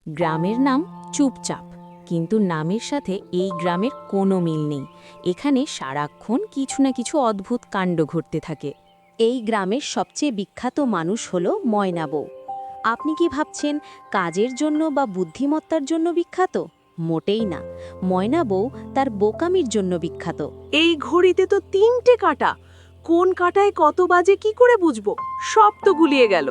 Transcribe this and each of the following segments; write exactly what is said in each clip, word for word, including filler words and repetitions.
গ্রামের নাম চুপচাপ, কিন্তু নামের সাথে এই গ্রামের কোনো মিল নেই। এখানে সারাক্ষণ কিছু না কিছু অদ্ভুত কাণ্ড ঘটতে থাকে। এই গ্রামের সবচেয়ে বিখ্যাত মানুষ হলো ময়না বউ। আপনি কি ভাবছেন কাজের জন্য বা বুদ্ধিমত্তার জন্য বিখ্যাত? মোটেই না। ময়না বউ তার বোকামির জন্য বিখ্যাত। এই ঘড়িতে তো তিনটে কাঁটা, কোন কাঁটায় কত বাজে কি করে বুঝবো? সব তো গুলিয়ে গেল।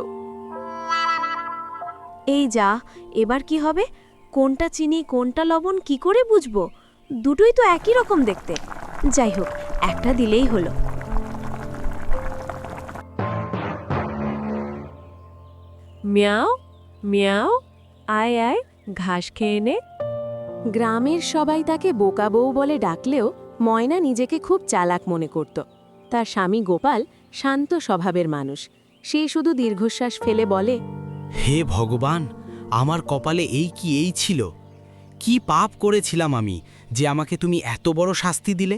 এই যা, এবার কি হবে? কোনটা চিনি কোনটা লবণ কি করে বুঝবো? দুটোই তো একই রকম দেখতে। যাই হোক, একটা দিলেই হলো। মিয়াও মিয়াও, আয় আয়, ঘাস খেয়ে নে। গ্রামের সবাই তাকে বোকা বউ বলে ডাকলেও ময়না নিজেকে খুব চালাক মনে করত। তার স্বামী গোপাল শান্ত স্বভাবের মানুষ। সে শুধু দীর্ঘশ্বাস ফেলে বলে, হে ভগবান, আমার কপালে এই কি এই ছিল? কি পাপ করেছিলাম আমি যে আমাকে তুমি এত বড় শাস্তি দিলে?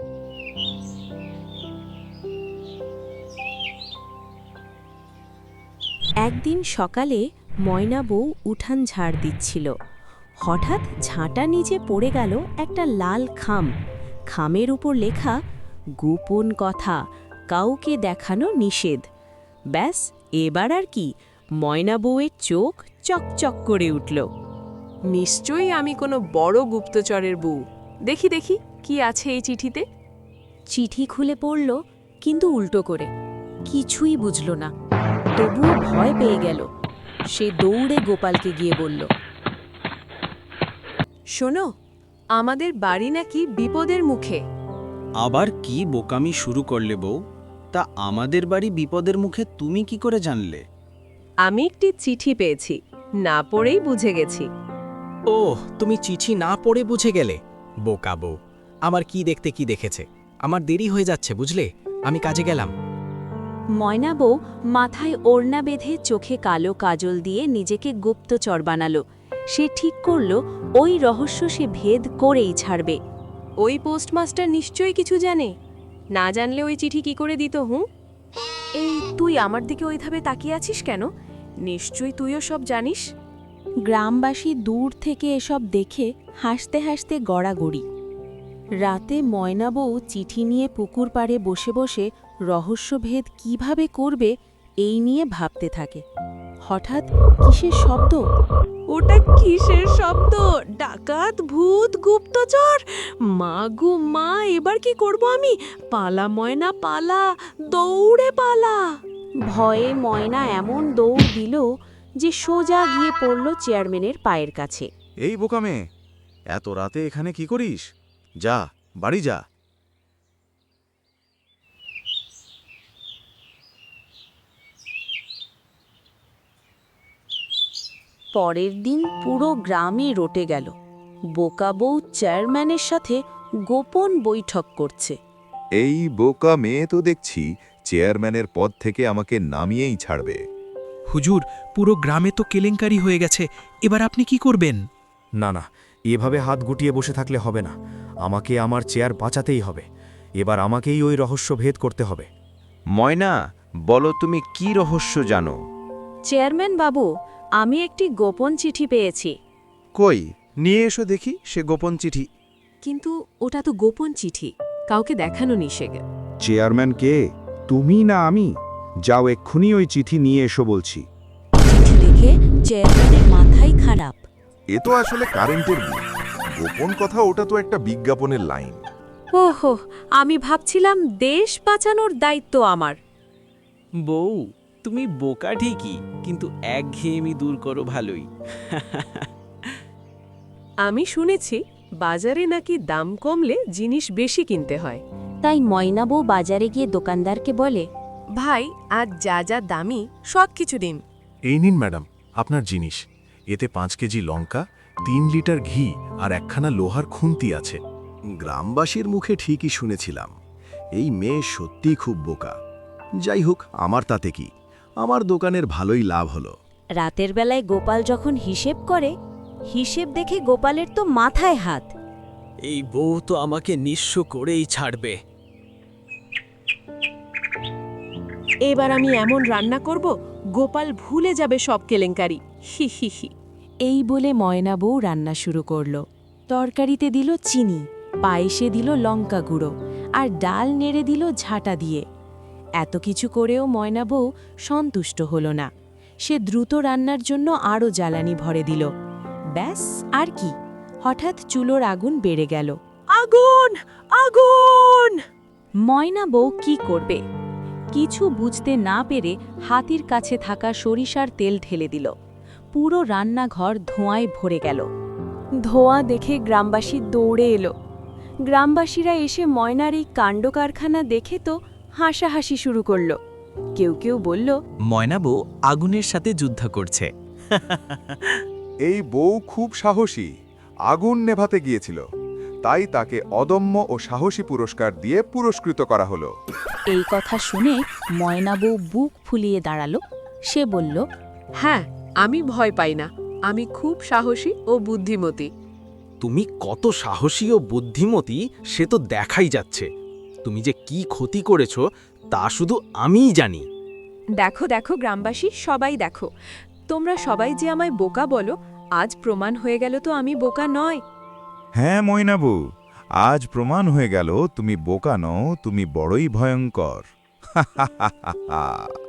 একদিন সকালে ময়না বউ উঠান ঝাড় দিচ্ছিল। হঠাৎ ঝাঁটা নিচে পড়ে গেল একটা লাল খাম। খামের উপর লেখা, গোপন কথা, কাউকে দেখানো নিষেধ। ব্যাস, এবার আর কি, ময়না বউয়ের চোখ চকচক করে উঠল। নিশ্চয়ই আমি কোনো বড় গুপ্তচরের বউ। দেখি দেখি কি আছে এই চিঠিতে। চিঠি খুলে পড়ল, কিন্তু উল্টো করে। কিছুই বুঝল না। তবুও ভয় পেয়ে গেল। সে দৌড়ে গোপালকে গিয়ে বলল, শোনো, আমাদের বাড়ি নাকি বিপদের মুখে। আবার কি বোকামি শুরু করলে বউ? তা আমাদের বাড়ি বিপদের মুখে তুমি কি করে জানলে? আমি একটি চিঠি পেয়েছি, না পড়েই বুঝে গেছি। ও, তুমি চিঠি না পড়ে বুঝে গেলে? বোকা বউ, আমার কি দেখতে কি দেখেছে। আমার দেরি হয়ে যাচ্ছে বুঝলে, আমি কাজে গেলাম। ময়না বউ মাথায় ওড়না বেঁধে চোখে কালো কাজল দিয়ে নিজেকে গুপ্তচর বানালো। সে ঠিক করল ওই রহস্য সে ভেদ করেই ছাড়বে। ওই পোস্টমাস্টার নিশ্চয়ই কিছু জানে। না জানলে ওই চিঠি কি করে দিত? হুঁ, এই তুই আমার দিকে ওইভাবে তাকিয়ে আছিস কেন? নিশ্চয়ই তুইও সব জানিস। গ্রামবাসী দূর থেকে এসব দেখে হাসতে হাসতে গড়াগড়ি। রাতে ময়না বউ চিঠি নিয়ে পুকুর পাড়ে বসে বসে রহস্যভেদ কিভাবে করবে এই নিয়ে ভাবতে থাকে। হঠাৎ কিসের শব্দ? ওটা কিসের শব্দ? ডাকাত, ভূত, গুপ্তচর? মা গো মা, এবার কি করব আমি? পালা ময়না পালা, দৌড়ে পালা। ভয়ে ময়না এমন দৌড় দিল যে সোজা গিয়ে পড়ল চেয়ারম্যানের পায়ের কাছে। এই বোকা মেয়ে, এত রাতে এখানে কি করিস? যা, বাড়ি যা। পরের দিন পুরো গ্রামে রটে গেল। বোকা বউ চেয়ারম্যানের সাথে গোপন বৈঠক করছে। এই বোকা মেয়ে তো দেখছি চেয়ারম্যানের পদ থেকে আমাকে নামিয়েই ছাড়বে। হুজুর, পুরো গ্রামে তো কেলেঙ্কারি হয়ে গেছে, এবার আপনি কি করবেন? না না, এভাবে হাত গুটিয়ে বসে থাকলে হবে না। আমাকে আমার চেয়ার বাঁচাতেই হবে। এবার আমাকেই ওই রহস্য ভেদ করতে হবে। ময়না, বলো তুমি কি রহস্য জানো? চেয়ারম্যান বাবু, আমি একটি গোপন চিঠি পেয়েছি। কই, নিয়ে এসো দেখি সে গোপন চিঠি। কিন্তু ওটা তো গোপন চিঠি, কাউকে দেখানো নিষেধ। চেয়ারম্যান কে, তুমি না আমি? যাও এক্ষুনি ওই চিঠি নিয়ে এসো বলছি। চিঠি দেখে চেয়ারম্যানের মাথাই খারাপ। এ তো আসলে কারেন্টের বিল। গোপন কথা, ওটা তো একটা বিজ্ঞাপনের লাইন। ওহো, আমি ভাবছিলাম দেশ বাঁচানোর দায়িত্ব আমার। বউ, তুমি বোকা ঠিকই, কিন্তু একঘেয়েমি দূর করো ভালোই। আমি শুনেছি বাজারে নাকি দাম কমলে জিনিস বেশি কিনতে হয়। তাই ময়না বউ বাজারে গিয়ে দোকানদারকে বলে, ভাই, আজ যা যা দামি সব কিছু দিন। এই নিন ম্যাডাম, আপনার জিনিস। এতে পাঁচ কেজি লঙ্কা, তিন লিটার ঘি আর একখানা লোহার খুন্তি আছে। গ্রামবাসীর মুখে ঠিকই শুনেছিলাম, এই মেয়ে সত্যিই খুব বোকা। যাই হোক, আমার তাতে কি, আমার দোকানের ভালোই লাভ হলো। রাতের বেলায় গোপাল যখন হিসেব করে, হিসেব দেখে গোপালের তো মাথায় হাত। এই বউ তো আমাকে নিঃস্ব করেই ছাড়বে। এবার আমি এমন রান্না করব গোপাল ভুলে যাবে সব কেলেঙ্কারি। হি হি হি। এই বলে ময়না বউ রান্না শুরু করল। তরকারিতে দিল চিনি, পায়েসে দিল লঙ্কা গুঁড়ো, আর ডাল নেড়ে দিল ঝাঁটা দিয়ে। এত কিছু করেও ময়না বউ সন্তুষ্ট হল না। সে দ্রুত রান্নার জন্য আরও জ্বালানি ভরে দিল। ব্যাস, আর কি, হঠাৎ চুলোর আগুন বেড়ে গেল। আগুন আগুন! ময়না বউ কি করবে? কিছু বুঝতে না পেরে হাতির কাছে থাকা সরিষার তেল ঢেলে দিল। পুরো রান্নাঘর ধোঁয়ায় ভরে গেল। ধোঁয়া দেখে গ্রামবাসী দৌড়ে এলো। গ্রামবাসীরা এসে ময়নার এই কাণ্ডকারখানা দেখে তো হাসাহাসি শুরু করল। কেউ কেউ বলল, ময়না বউ আগুনের সাথে যুদ্ধ করছে। এই বউ খুব সাহসী, আগুন নেভাতে গিয়েছিল, তাই তাকে অদম্য ও সাহসী পুরস্কার দিয়ে পুরস্কৃত করা হলো। এই কথা শুনে ময়না বউ বুক ফুলিয়ে দাঁড়ালো। সে বলল, হ্যাঁ, আমি ভয় পাই না, আমি খুব সাহসী ও বুদ্ধিমতী। তুমি কত সাহসী ও বুদ্ধিমতী সে তো দেখাই যাচ্ছে। তুমি যে কি ক্ষতি করেছো তা শুধু আমিই জানি। দেখো দেখো গ্রামবাসী, সবাই দেখো, তোমরা সবাই যে আমায় বোকা বলো, আজ প্রমাণ হয়ে গেল তো আমি বোকা নয়। হ্যাঁ ময়নাবু, আজ প্রমাণ হয়ে গেল তুমি বোকা নও, তুমি বড়ই ভয়ঙ্কর।